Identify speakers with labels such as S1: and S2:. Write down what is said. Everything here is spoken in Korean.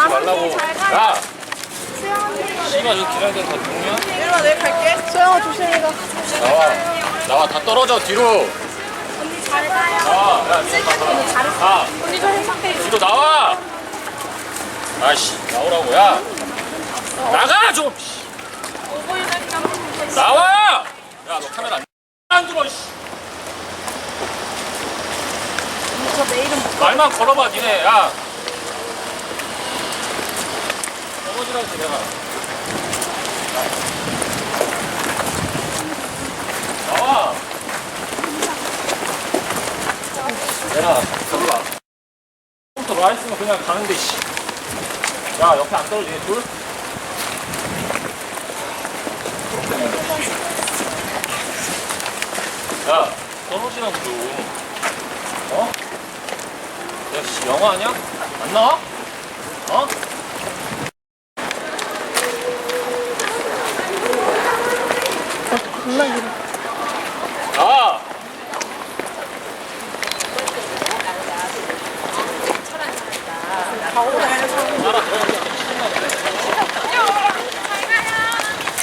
S1: 말라고. 야! 씨발, 여기 기다려야 돼. 다 동냐?
S2: 내려와, 내일 갈게. 소영아, 조심히 가.
S1: 나와, 다 떨어져, 뒤로.
S3: 언니 잘 가요.
S1: 나와, 야, 언니
S3: 잘했어.
S1: 가.
S3: 언니 좀 행복해.
S1: 뒤로 나와! 아이씨, 나오라고, 야! 나가, 좀! 씨. 나와! 야, 너 카메라 안 들어, 씨.
S3: 저 내일은 못
S1: 말만 걸어봐, 니네, 야! 넘어지라고, 내가. 나와! 내가, 저기 봐. 부터 와 있으면 그냥 가는데, 씨. 야, 옆에 안 떨어지네, 둘? 야, 떨어지라고 좀. 어? 야, 씨, 영화 아니야? 안 나와? 어?
S2: 겁나 길어.
S1: 나와!
S2: 다 오래.
S1: 알아, 들어가.